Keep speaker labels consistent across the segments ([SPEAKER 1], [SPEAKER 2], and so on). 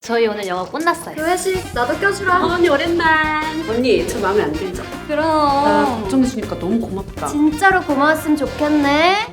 [SPEAKER 1] 저희 오늘 영어 끝났어요.
[SPEAKER 2] 그 회식 나도 껴주라.
[SPEAKER 3] 언니 오랜만. 언니 저 마음에 안 들죠?
[SPEAKER 1] 그럼
[SPEAKER 3] 걱정해주니까 너무 고맙다.
[SPEAKER 2] 진짜로 고마웠으면 좋겠네.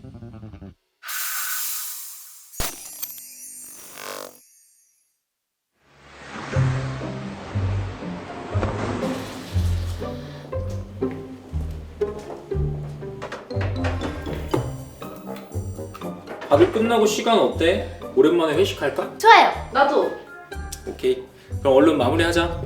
[SPEAKER 4] 다들 끝나고 시간 어때? 오랜만에 회식할까?
[SPEAKER 1] 좋아요.
[SPEAKER 3] 나도.
[SPEAKER 4] 오케이. 그럼 얼른 마무리하자.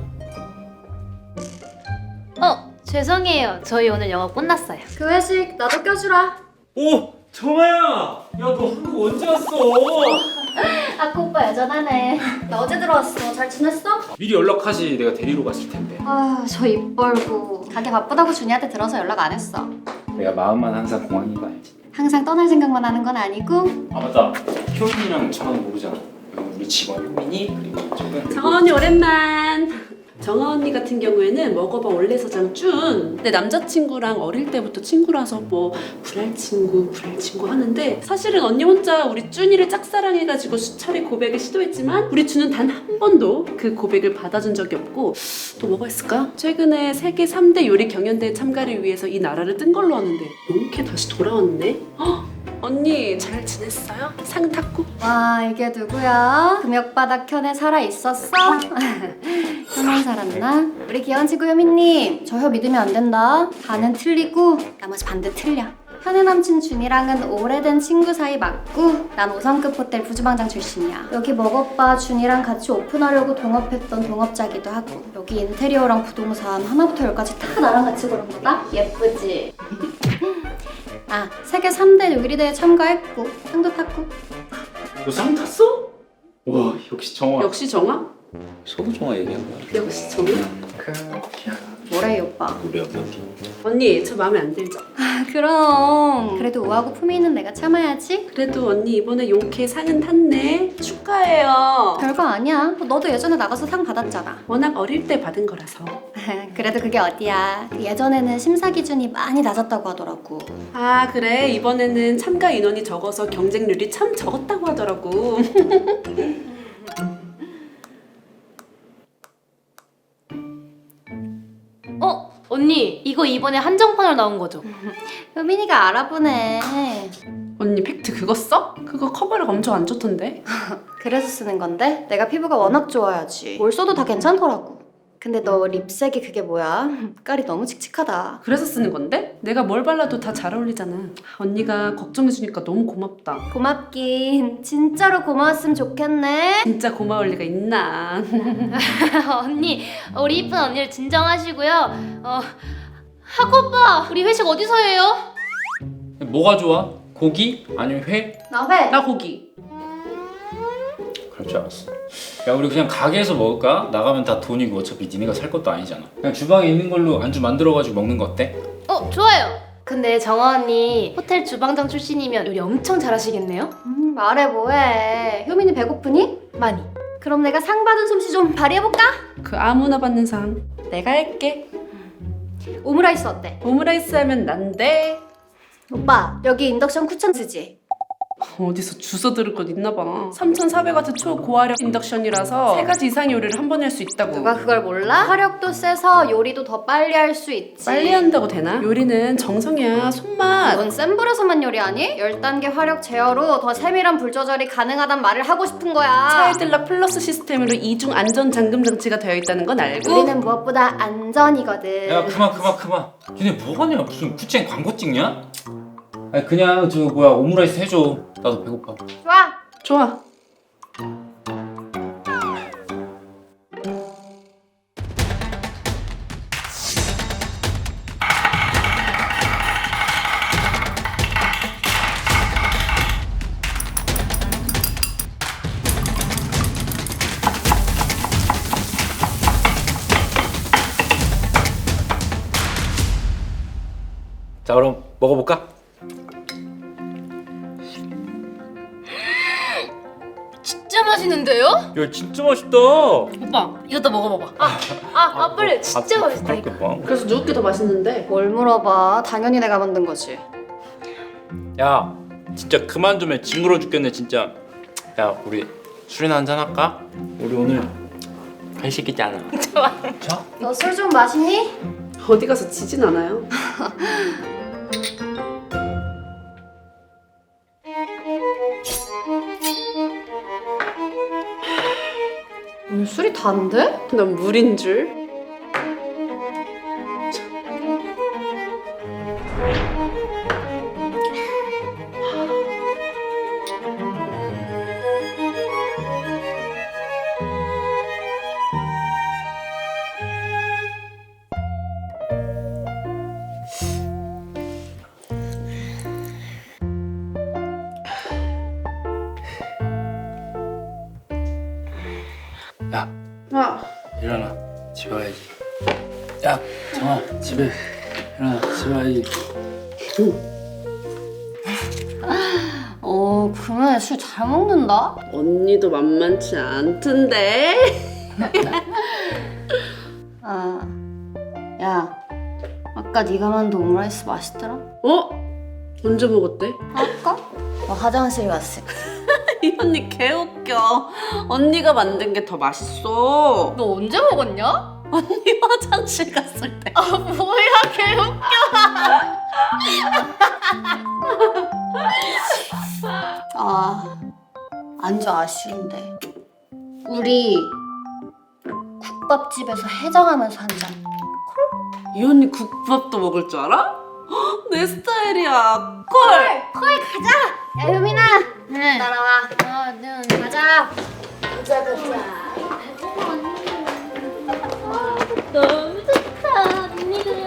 [SPEAKER 1] 죄송해요. 저희 오늘 영어 끝났어요.
[SPEAKER 2] 그 회식 나도 껴주라.
[SPEAKER 4] 오! 정아야! 야 너 한국 언제 왔어?
[SPEAKER 2] 아까 오빠 여전하네. 나 어제 들어왔어. 잘 지냈어?
[SPEAKER 4] 미리 연락하지. 내가 데리러 갔을 텐데.
[SPEAKER 2] 아, 저 입 벌고 가게 바쁘다고 준이한테 들어서 연락 안 했어.
[SPEAKER 4] 내가 마음만 항상 공항인 거 알지?
[SPEAKER 2] 항상 떠날 생각만 하는 건 아니고.
[SPEAKER 4] 아 맞다. 효민이랑 정아는 모르잖아. 우리 직원 효민이 그리고 저는
[SPEAKER 3] 정아 언니 오랜만. 정아 언니 같은 경우에는 먹어봐 원래 서장 준. 내 남자친구랑 어릴 때부터 친구라서 뭐 불알 친구 하는데 사실은 언니 혼자 우리 준이를 짝사랑해가지고 수차례 고백을 시도했지만 우리 준은 단 한 번도 그 고백을 받아준 적이 없고 또 뭐가 있을까? 최근에 세계 3대 요리 경연대회 참가를 위해서 이 나라를 뜬 걸로 아는데 이렇게 다시 돌아왔네? 헉! 언니 잘 지냈어요? 상 탔고?
[SPEAKER 2] 와, 이게 누구야? 금역바닥 현에 살아있었어? 현원 살았나? 우리 귀여운 친구 효민님, 저 혀 믿으면 안 된다. 반은 틀리고 나머지 반대 틀려. 현의 남친 준이랑은 오래된 친구 사이 맞고 난 5성급 호텔 부주방장 출신이야. 여기 먹어봐 준이랑 같이 오픈하려고 동업했던 동업자기도 하고 여기 인테리어랑 부동산 하나부터 열까지 다 나랑 같이 고른 거다? 예쁘지? 아, 세계 3대 요리 대회 참가했고 상도 탔고.
[SPEAKER 4] 너 상 탔어? 와 역시 정아.
[SPEAKER 3] 역시 정아?
[SPEAKER 4] 서도 정아 얘기한 거야.
[SPEAKER 3] 역시 정아?
[SPEAKER 2] 뭐래 이 오빠?
[SPEAKER 4] 우리 어디?
[SPEAKER 3] 언니 저 마음에 안 들죠?
[SPEAKER 2] 아, 그럼 그래도 우아하고 품위 있는 내가 참아야지.
[SPEAKER 3] 그래도 언니 이번에 용케 상은 탔네. 축하해요.
[SPEAKER 2] 별거 아니야. 너도 예전에 나가서 상 받았잖아.
[SPEAKER 3] 워낙 어릴 때 받은 거라서.
[SPEAKER 2] 그래도 그게 어디야. 예전에는 심사 기준이 많이 낮았다고 하더라고.
[SPEAKER 3] 아 그래 이번에는 참가 인원이 적어서 경쟁률이 참 적었다고 하더라고.
[SPEAKER 1] 언니 이거 이번에 한정판으로 나온 거죠?
[SPEAKER 2] 효민이가 알아보네.
[SPEAKER 3] 언니 팩트 그거 써? 그거 커버력 엄청 안 좋던데.
[SPEAKER 2] 그래서 쓰는 건데 내가 피부가 워낙 좋아야지. 뭘 써도 다 괜찮더라고. 근데 너 립색이 그게 뭐야? 깔이 너무 칙칙하다.
[SPEAKER 3] 그래서 쓰는 건데? 내가 뭘 발라도 다 잘 어울리잖아. 언니가 걱정해주니까 너무 고맙다.
[SPEAKER 2] 고맙긴. 진짜로 고마웠으면 좋겠네.
[SPEAKER 3] 진짜 고마울 리가 있나.
[SPEAKER 1] 언니 우리 이쁜 언니를 진정하시고요. 하고 오빠 우리 회식 어디서 해요?
[SPEAKER 4] 뭐가 좋아? 고기? 아니면 회?
[SPEAKER 2] 나 회.
[SPEAKER 3] 나 고기.
[SPEAKER 4] 그럴 줄 알았어. 야 우리 그냥 가게에서 먹을까? 나가면 다 돈이고 어차피 니네가 살 것도 아니잖아. 그냥 주방에 있는 걸로 안주 만들어가지고 먹는 거 어때?
[SPEAKER 1] 좋아요. 근데 정아 언니 호텔 주방장 출신이면 요리 엄청 잘하시겠네요?
[SPEAKER 2] 말해 뭐해. 효민이 배고프니?
[SPEAKER 1] 많이.
[SPEAKER 2] 그럼 내가 상 받은 솜씨 좀 발휘해볼까?
[SPEAKER 3] 그 아무나 받는 상 내가 할게.
[SPEAKER 2] 오므라이스 어때?
[SPEAKER 3] 오므라이스 하면 난데.
[SPEAKER 2] 오빠 여기 인덕션 쿠션 쓰지?
[SPEAKER 3] 어디서 주워 들을 것 있나 봐. 3,400W 초고화력 인덕션이라서 3가지 이상의 요리를 한 번에 할 수 있다고.
[SPEAKER 2] 누가 그걸 몰라? 화력도 세서 요리도 더 빨리 할 수 있지.
[SPEAKER 3] 빨리 한다고 되나? 요리는 정성이야. 손맛.
[SPEAKER 2] 넌 센 불에서만 요리하니? 10단계 화력 제어로 더 세밀한 불 조절이 가능하단 말을 하고 싶은 거야.
[SPEAKER 3] 차일들락 플러스 시스템으로 이중 안전 잠금 장치가 되어 있다는 건 알고?
[SPEAKER 2] 우리는 무엇보다 안전이거든.
[SPEAKER 4] 야 그만. 니네 뭐하냐? 무슨 쿠첸 광고 찍냐? 아니 그냥 저 뭐야 오므라이스 해줘. 나도 배고파.
[SPEAKER 2] 좋아.
[SPEAKER 3] 좋아.
[SPEAKER 4] 자 그럼 먹어볼까?
[SPEAKER 1] 진짜 맛있는데요?
[SPEAKER 4] 야 진짜 맛있다.
[SPEAKER 1] 오빠 이것도 먹어봐봐. 빨리 진짜 맛있다 이거.
[SPEAKER 4] 봐.
[SPEAKER 3] 그래서 누구게 더 맛있는데?
[SPEAKER 2] 뭘 물어봐. 당연히 내가 만든 거지.
[SPEAKER 4] 야 진짜 그만 좀 해. 징그러 죽겠네 진짜. 야 우리
[SPEAKER 5] 술이나 한잔 할까? 우리 오늘 회식이잖아.
[SPEAKER 2] 너 술 좀 마시니?
[SPEAKER 3] 어디 가서 지진 않아요?
[SPEAKER 2] 오늘 술이 단데?
[SPEAKER 3] 난 물인 줄.
[SPEAKER 5] 야,
[SPEAKER 3] 아,
[SPEAKER 5] 일어나. 집에 가야지. 야, 정아, 집에 일어나. 집에 가야지.
[SPEAKER 2] 그러면 술 잘 먹는다?
[SPEAKER 3] 언니도 만만치 않던데.
[SPEAKER 2] 야, 아까 네가 만든 오므라이스 맛있더라?
[SPEAKER 3] 어? 언제 먹었대?
[SPEAKER 2] 아까? 너 화장실 갔을 때.
[SPEAKER 3] 이 언니 개웃겨. 언니가 만든 게 더 맛있어.
[SPEAKER 1] 너 언제 먹었냐?
[SPEAKER 3] 언니 화장실 갔을 때.
[SPEAKER 1] 뭐야 개웃겨.
[SPEAKER 2] 안주 아쉬운데. 우리 국밥집에서 해장하면서 한 잔.
[SPEAKER 3] 이 언니 국밥도 먹을 줄 알아? 헉, 내 스타일이야. 콜.
[SPEAKER 2] 야, 효민아!
[SPEAKER 1] 응.
[SPEAKER 2] 따라와. 가자.
[SPEAKER 1] 너무 좋다 언니들.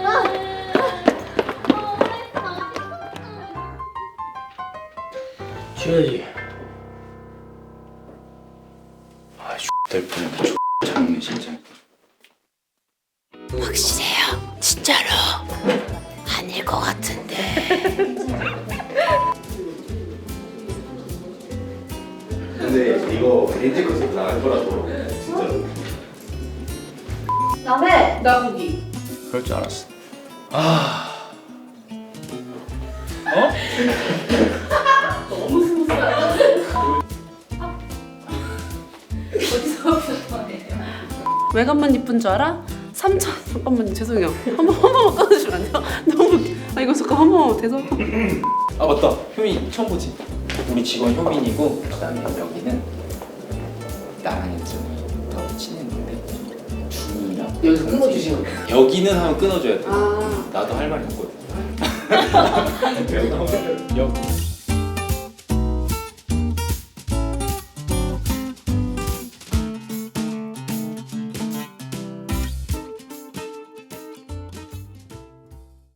[SPEAKER 5] 쉬어야지. 아, 될 뻔했네. 작네 진짜.
[SPEAKER 6] 확실해요. 진짜로 아닐 것 같은데.
[SPEAKER 7] 근데 이거 렌즈컷에서 나갈 거라서 진짜로.
[SPEAKER 2] 남해!
[SPEAKER 3] 나 고기.
[SPEAKER 5] 그럴 줄 알았어. 아. 어?
[SPEAKER 3] 외관만 이쁜 줄 알아? 3천. 잠깐만요. 죄송해요. 한 번만 꺼내주면 안 돼요? 너무. 이거 잠깐 한 번만 대서.
[SPEAKER 5] 아 맞다. 효민 처음 보지? 우리 직원 효민이고 그다음에 여기는 나랑 혜정이 더 친했는데 준이랑 여기서 끊어주시는 거. 여기는 하면 끊어줘야 돼. 나도 할 말이 없거든. 여기.